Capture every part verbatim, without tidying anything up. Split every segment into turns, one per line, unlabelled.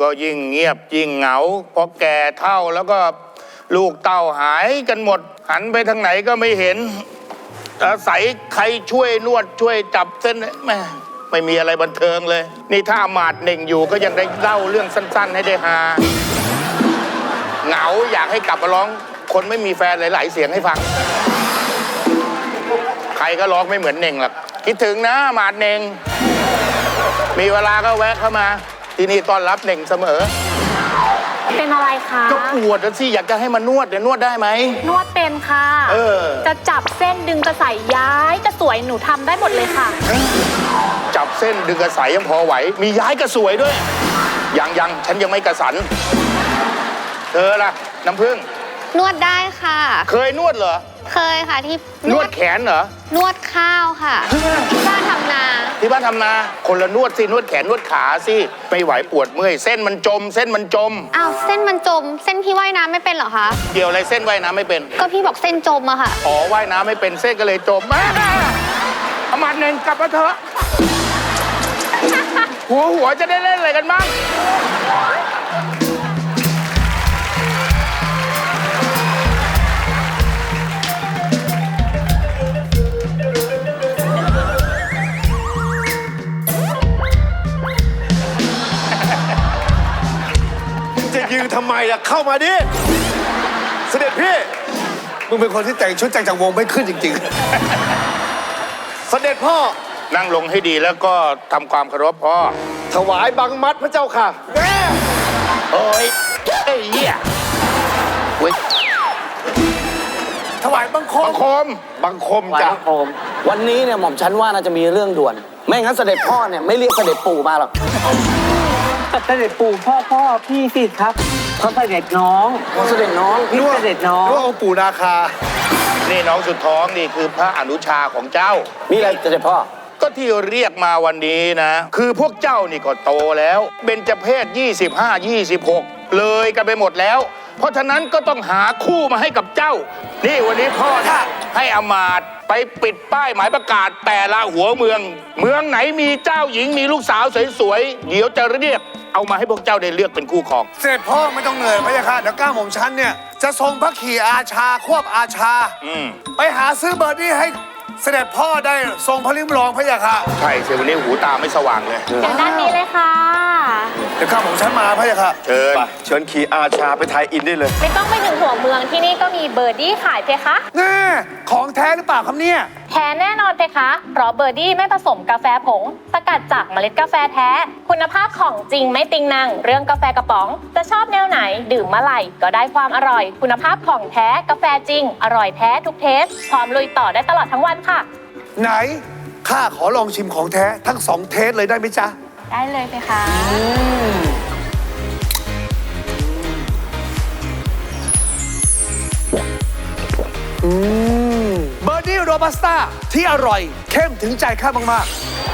ยิ่งเงียบยิ่งเหงาพอแก่เท่าแล้วก็ลูกเต้าหายกันหมดหันไปทางไหนก็ไม่เห็นอาศัยใครช่วยนวดช่วยจับเส้นแม่ไม่มีอะไรบันเทิงเลยนี่ถ้าอามาตย์เน่งอยู่ก็ยังได้เล่าเรื่องสั้นๆให้ได้ฮาเหงาอยากให้กลับมาร้องคนไม่มีแฟนหลายๆเสียงให้ฟังใครก็ร้องไม่เหมือนเน่งหรอกคิดถึงนะอามาตย์เน่งมีเวลาก็แวะเข้ามาที่นี่ต้อนรับเน่งเสมอ
เป็นอะไรคะ
ก็ปวดสิอยากจะให้มานวดเดี๋ยวนวดได้ไหม
นวดเป็นค่ะเออจะจับเส้นดึงกระสายย้ายกระสวยหนูทำได้หมดเลยค่ะ
จับเส้นดึงกระสายยังพอไหวมีย้ายกระสวยด้วยยังยังฉันยังไม่กระสันเธอล่ะน้ำผึ้ง
นวดได้ค่ะ
เคยนวดเหรอ
เคยค่ะที่
นวดแขนเหรอน
วดข้าวค่ะที่บ้านทำนา
ที่บ้านทำนาคนละนวดสินวดแขนนวดขาสิไม่ไหวปวดเมื่อยเส้นมันจมเส้นมันจม
อ้าวเส้นมันจมเส้นพี่ว่ายน้ำไม่เป็นเหรอคะ
เกี่ยวอะไรเส้นว่ายน้ำไม่เป็น
ก็พี่บอกเส้นจมอะค่ะ
อ๋อว่ายน้ำไม่เป็นเส้นก็เลยจมมาอามาตย์เน่งกลับมาเถอะหัวหัวจะได้เล่นอะไรกันบ้าง
จะยืนทำไมล่ะเข้ามาดิเสด็จพี่มึงเป็นคนที่แต่งชุดแต่งจากวงไม่ขึ้นจริงๆเสด็จพ่อ
นั่งลงให้ดีแล้วก็ทำความเคารพพ่อ
ถวายบังมัดพระเจ้าค่ะแม่
โอ้ยไอ้เหี้ยเว้ย
ถวายบังคม
บังคม
บังคมจ้ะ
วันนี้เนี่ยหม่อมฉันว่าน่าจะมีเรื่องด่วนไม่งั้นเสด็จพ่อเนี่ยไม่เรียกเสด็จปู่มาหรอก
เสด็จปู่พ่อพ่อพี่สิครับเขาเสด็จน้อง
เขาเสด็จน้อง
พี่เสด็จน้อง
รู้องปู่นาคา
นี่น้องสุดท้องนี่คือพระอนุชาของเจ้า
มีอะไรเสด็จพ่อ
ก็ที่เรียกมาวันนี้นะคือพวกเจ้านี่ก็โตแล้วเบญจเพศยี่สิบห้า ยี่สิบหกเลยกันไปหมดแล้วเพราะฉะนั้นก็ต้องหาคู่มาให้กับเจ้านี่วันนี้พ่อให้อามาตย์ไปปิดป้ายหมายประกาศแต่ละหัวเมืองเมืองไหนมีเจ้าหญิงมีลูกสาวสวยๆเดี๋ยวจะเรียกเอามาให้พวกเจ้าได้เลือกเป็นคู่ครอง
เสด็จพ่อไม่ต้องเหนื่อยพระยาค่ะเดี๋ยวก้าวหม่อมฉันเนี่ยจะทรงพระขี่อาชาควบอาชาไปหาซื้อเบอร์ดี้ให้เสด็จพ่อได้ทรงพระลิ้มรองพระยาค่ะ
ใช่เสียวันนี้หูตาไม่สว่างเลย
เดี๋ยวด้านนี้เลยค่ะ
เดี๋ยวก้าวหม่อมฉันมาพระยาค่ะ
เชิญ
เชิญขี่อาชาไปไทยอินได้เลย
ไม่ต้องไปถึงหัวเมืองที่นี่ก็มีเบอร์ดี้ขายเพคะ
แน่ของแท้หรือเปล่าครับเนี่ย
แท้แน่นอนเพคะเพราะเบอร์ดี้ไม่ผสมกาแฟผงสกัดจากเมล็ดกาแฟแท้คุณภาพของจริงไม่ติงนังเรื่องกาแฟกระป๋องจะชอบแนวไหนดื่มเมื่อไหร่ก็ได้ความอร่อยคุณภาพของแท้กาแฟจริงอร่อยแท้ทุกเทสพร้อมลุยต่อได้ตลอดทั้งวันค่ะ
ไหนข้าขอลองชิมของแท้ทั้งสองเทสเลยได้ไหมจ๊ะ
ได้เลยเพคะ
อืมเบอร์ดี้โรบัสต้าที่อร่อยเข้มถึงใจข้ามาก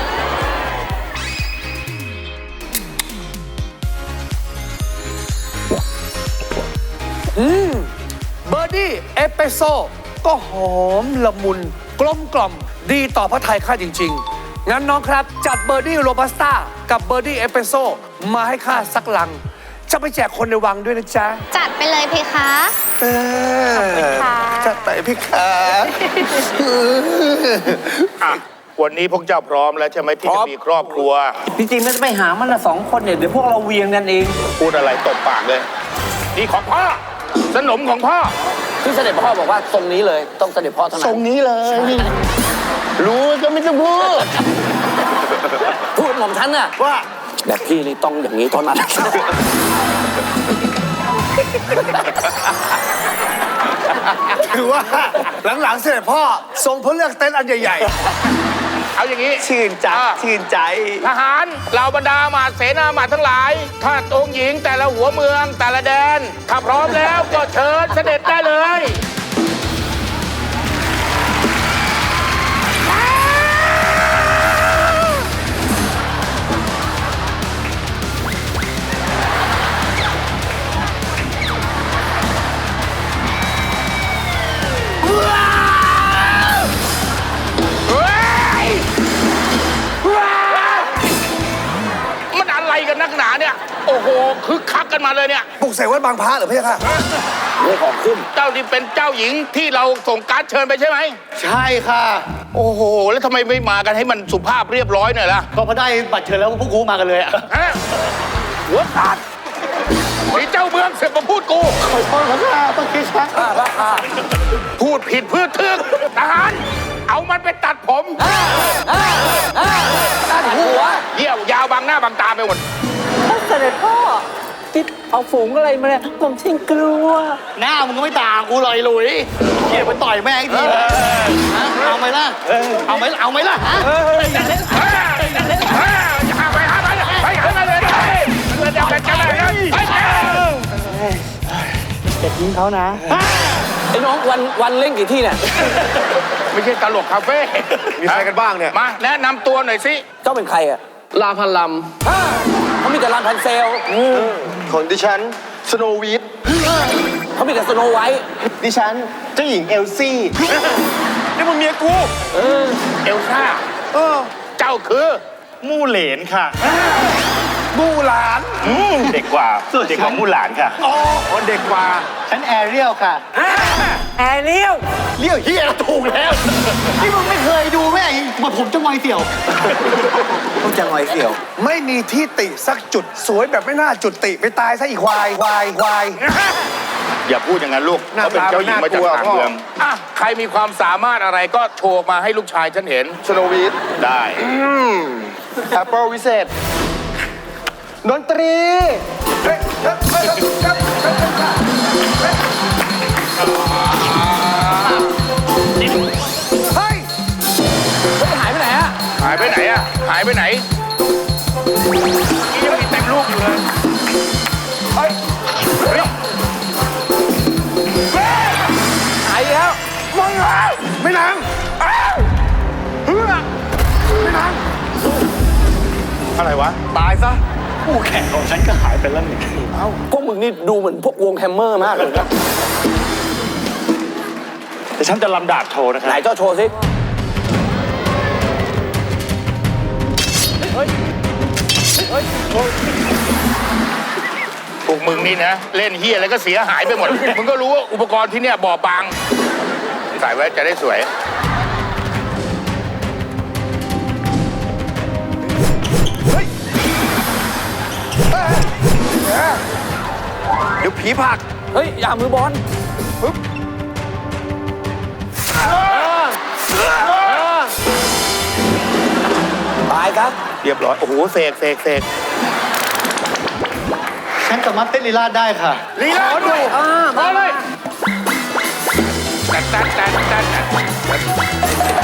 ๆอืมเบอร์ดี้เอสเปรสโซ่ก็หอมละมุนกลมกล่อมดีต่อพระทัยข้าจริงๆงั้นน้องครับจัดเบอร์ดี้โรบัสต้ากับเบอร์ดี้เอสเปรสโซ่มาให้ข้าสักลังจะไปแจกคนในวังด้วยนะจ๊ะ
จัดไปเลยเพคะ
เออจัดไปเพคะ
อ่ะวันนี้พวกเจ้าพร้อมแล้วใช่ไหมที่จะมีครอบครัว
จริงๆไม่ต้องไปหามันละสองคนเนี่ยเดี๋ยวพวกเราเวียงกันเอง
พูดอะไรตบปากเลยนี่ของพ่อสนมของพ่อ
ที่เสด็จพ่อบอกว่าทรงนี้เลยต้องเสด็จพ่อเท่านั้น
ทรงนี้เลยรู้ก็ไม่ต้องพูด
พูดหม่อมฉันน่ะ
ว่า
แบบพี่นี่ต้องอย่างนี้เท่านั้น
ถือว่าหลังๆเสด็จพ่อทรงพระเลือกเต็นท์อันใหญ่
ๆเอาอย่างนี้
ชื่นใจชื่นใจ
ทหารเหล่าบรรดาหมาเสนาหมาทั้งหลายถ้าองค์หญิงแต่ละหัวเมืองแต่ละแดนถ้าพร้อมแล้วก็เชิญเสด็จได้เลยมันอะไรกันนักหนาเนี่ยโอ้โหคึกคักกันมาเลยเนี่ย
ปลุกเสกวัดบางพระเหรอพี่ค่ะ
เรื่องของขึ้น
เจ้าที่เป็นเจ้าหญิงที่เราส่งการ์ดเชิญไปใช่ไหม
ใช่ค่ะ
โอ้โห แล้วทำไมไม่มากันให้มันสุภาพเรียบร้อยหน่อยล่ะ
ก็พอได้บัตรเชิญแล้วพวกกูมากันเลยอะ
ฮะหัวขาดไอ้เจ้าเมืองเสือกมาพูดกู
ขอโทษครับค่ะต้องคิดช้า
พูดผิดพืชทึกทหารเอามันไปตัดผม
ตัดหัว
เยี่ยวยาวบางหน้าบางตาไปหมด
เสด็จพ่อที่เอาฝูงอะไรมาเนี่ยผมชิงกลัว
หน้ามึงก็ไม่ต่างกูเลยหลุยเกี่ยวไปต่อยแม่งอีกทีนะฮะเอาไหมล่ะ เอาไหมเอาไหมล่ะฮะ
อย่าไปหาไปไปหาไปเลยมันเลยจะเป็นกันเลยไป
จะทิ้งเขานะ
ไอ้น้องวันวันเล่นกี่ที่เนี่ย
ไม่ใช่ตลกคาเฟ่
มีใครกันบ้างเนี่ย
มาแนะนำตัวหน่อยสิ
เจ้าเป็นใครอะ
ลาพันล
เขามีแต่ลานพันเซล
ำของดิฉันสโนวีท
เขามีแต่สโนไวท์
ดิฉันเจ้าหญิงเอลซี่
นี่มึงเมียกูเอลซ่าเจ้าคือ
มู่เหลนค่ะ
มู่หลาน
เด็กกว่าเด็กของมู่หลานค่ะ
อ๋อคนเด็กกว่า
ฉันแอเรียลค่ะ
แอร์เรียว
เรียกเฮียถูกแล้วนี่มึงไม่เคยดูแม่งมาผมจะงอยเสี่ยวต้องจะงอยเสี่ยว
ไม่มีที่ติสักจุดสวยแบบไม่น่าจุดติไปตายซะอีกควายควายควาย
อย่าพูดอย่างนั้นลูก
หน้า
เขาเป็นเจ้าหญิงมาจาก
ตา
ต่าง
มันน่ากลัว
เมืองอ่ะใครมีความสามารถอะไรก็โชว์มาให้ลูกชายฉันเห็น
สโนวีท
ได้
แอปเปิลวิเศษ ดนตรี
เฮ้ยเฮ้ยเฮ้ยเฮ้ยเฮ้ย
เขาหายไปไหนอะ
หายไปไหนอะหายไปไหนนี่ยังมีเต็มลูกอยู่เลยเฮ้ยเฮ้ย
หายแล้ว
มึงเหรอ
ไม่นาง
อ้าวเฮ้ย
ไม่นาง
อะไรวะ
ตายซะคู่แข่งของฉันก็หายไปแล้วหนึ่ง
พวกมึงนี่ดูเหมือนพวกวงแฮมเมอร์มากเลยนะ
แต่ฉันจะลำดาบโชว์นะค
ไหน
รับ
เจ้าโชว์สิ
พวกมึงนี่นะ เล่นเฮียอะไรก็เสียหายไปหมด มึงก็รู้ว่าอุปกรณ์ที่เนี่ยบอบบางใส่ไว้จะได้สวย
เดี๋ยวผีผัก
เฮ้ย อย่ามือบอลตายครับ
เรียบร้อย โอ้โหเสกเสกเสก
ฉันสามารถเต้นลีลาดได้ค่ะ
ลีลาด้วยมาเลยตัดตัดตัดตัดตัด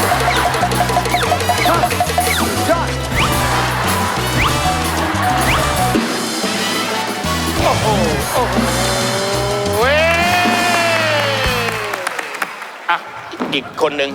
โอ้โหโอ้โหเว้ยอ่ะอีกคนหนึ่ง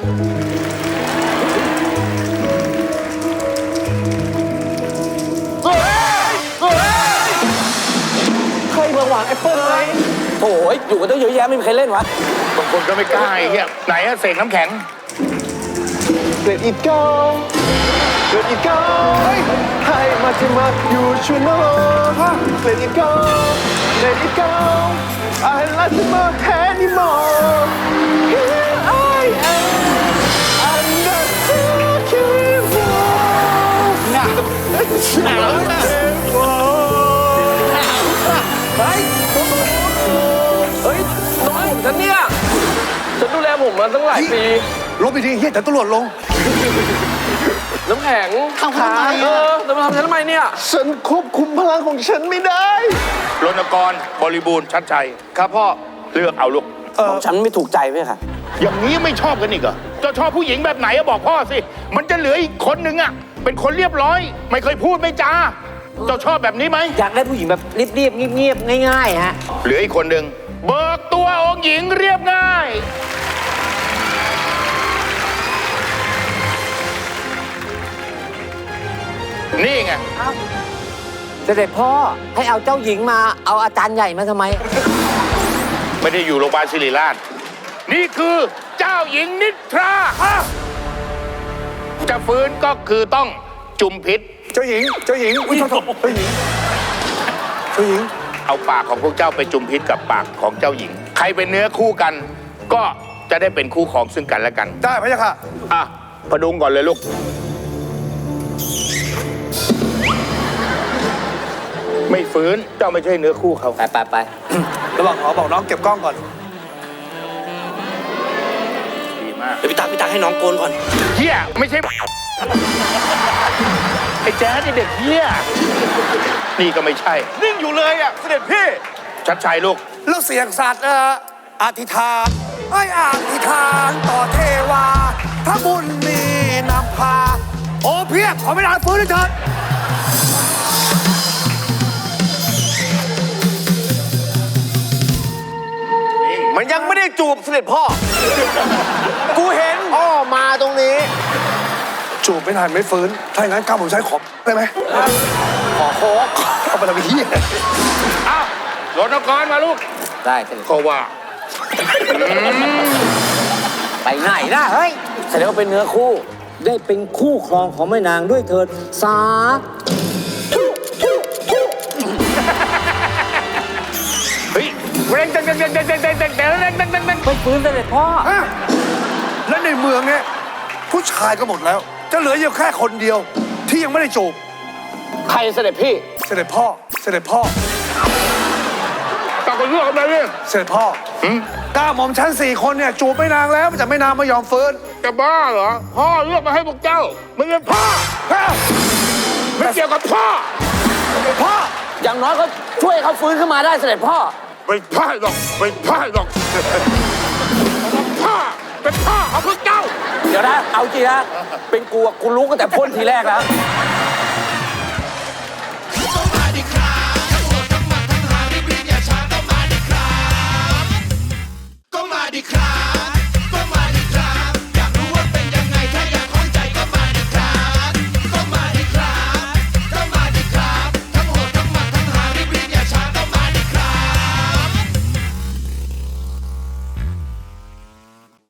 ใครมาหวานแอปเปิ้ลไหม
โอ้ยอยู่กันตั้งเยอะแยะไม่มีใครเล่นวะ
บางคนก็ไม่กล้าไอ้เหี้ยไหนอะเสกน้ำแข็ง
Let it go Let it go ให้มาที่มาอยู่ชูโน่ Let it go Let it go I like it more anymore Here I am I'm not talking about หนาวหนาวหนาว
เฮ้ยเฮ้ยน้องผมฉันเนี่ย ฉันดูแลผมมาตั้งหลายปี
ลบไปทีเฮียแต่ตำรวจลง
น้ำแข็ง
ทำทำไม
เอ
อะ
อจะมาทำฉันทำไมเนี่ย
ฉันควบคุมพลังของฉันไม่ได้
รณกรบริบูรณ์ชัดชัย ครับพ่อ เลือกเอาลูก
ของฉันไม่ถูกใจไหมค่ะ
อย่างนี้ไม่ชอบกันอีกเหรอเจ้าชอบผู้หญิงแบบไหนอะบอกพ่อสิ มันจะเหลืออีกคนนึงอะเป็นคนเรียบร้อย ไม่เคยพูดไม่จา เจ้าชอบแบบนี้ไหม
อยากได้ผู้หญิงแบบเรียบๆเงียบๆง่ายๆฮะ
เหลืออีกคนหนึ่งเบิกตัวองค์หญิงเรียบง่าย นี่ไง
เสด็จพ่อให้เอาเจ้าหญิงมาเอาอาจารย์ใหญ่มาทำไม
ไม่ได้อยู่โรงพยาบาลศิริราช นี่คือเจ้าหญิงนิทราอ่ะจะฟื้นก็คือต้องจุมพิษ
เจ้าหญิง เจ้าหญิง อุ้ยโทษโทษเจ้าหญิงผู้หญิง
เอาปากของพวกเจ้าไปจุมพิษกับปากของเจ้าหญิง ใครเป็นเนื้อคู่กัน ก็จะได้เป็นคู่ครองซึ่งกันและกัน
ได้พะยะค่ะ
อ่ะพดุงก่อนเลยลูก ไม่ฟื้นเจ้าไม่ใช่เนื้อคู่เขา
ไปไปไประ
หว่างขอบอกน้องเก็บกล้องก่อน
ดีมาก
เดี๋ยวพี่ตักพี่ตักให้น้องโกนก่อน
เฮียไม่ใช่ ไอ้แจ๊ดไอ้เด็กเฮียนี่ก็ไม่ใช่
นิ่งอยู่เลยอ่ะเสด็จพี่
ชัดชัยลูก
แล้วเสียงสัตว์เอ่ออธิษฐานไอ้อธิษฐานต่อเทวาถ้าบุญมีนำพา โอ้เพียบขอไม่นานฟื้นเลยเถิด
มันยังไม่ได้จูบเสด็จพ่อ กูเห็นพ่อมาตรงนี้
จูบไม่นานไม่ฟื้น ถ้าอย่างนั้นกล้าผมใช้ของได้ไหม
ขอโค้ก
เอาไปทำไอ้เหี้ย
อ้าวรถนกรมาลูก
ได้เสด็จ
ก็ว่า
ไปไหนนะเฮ้ยแสดงว่าเป็นเนื้อคู่ ได้เป็นคู่ครองของแม่นางด้วยเถิดสา
เฮ้ยเร่งเร่งเร่งเร่งเร่งเร่งเร่งเร่งเร่งเร่งเร่งเร่งเร่ง
ไม่ฟื้นเสด็จพ่อ
ฮะและในเมืองเนี่ยผู้ชายก็หมดแล้ว จะเหลืออยู่แค่คนเดียว ที่ยังไม่ได้จูบ
ใครเสด็จพี่
เสด็จพ่อ เสด็จพ่อ
ต่อกันเรื่องอะไรเนี่ย
เสด็จพ่อ
หืม
ก้าหม่อมชั้นสี่คนเนี่ยจูบไม่นางแล้วแต่ไม่นางไม่ยอมฟื้น
จะบ้าเหรอ พ่อเลือกมาให้พวกเจ้ามึงเป็นพ่อ
ฮะ
ไม่เกี่ยวกับพ่อ
พ่อ
อย่างน้อยก็ช่วยเขาฟื้นขึ้นมาได้เสด็จพ่อ
ไม่พ่ายหรอกไม่พ่ายหรอกพ่อเป็นพ่อของพวกเจ้า
เดี๋ยวนะ เอาจริงนะ เป็นกูอะกูรู้กันแต่พ่นทีแรกแล้ว
ก็มาดิครับ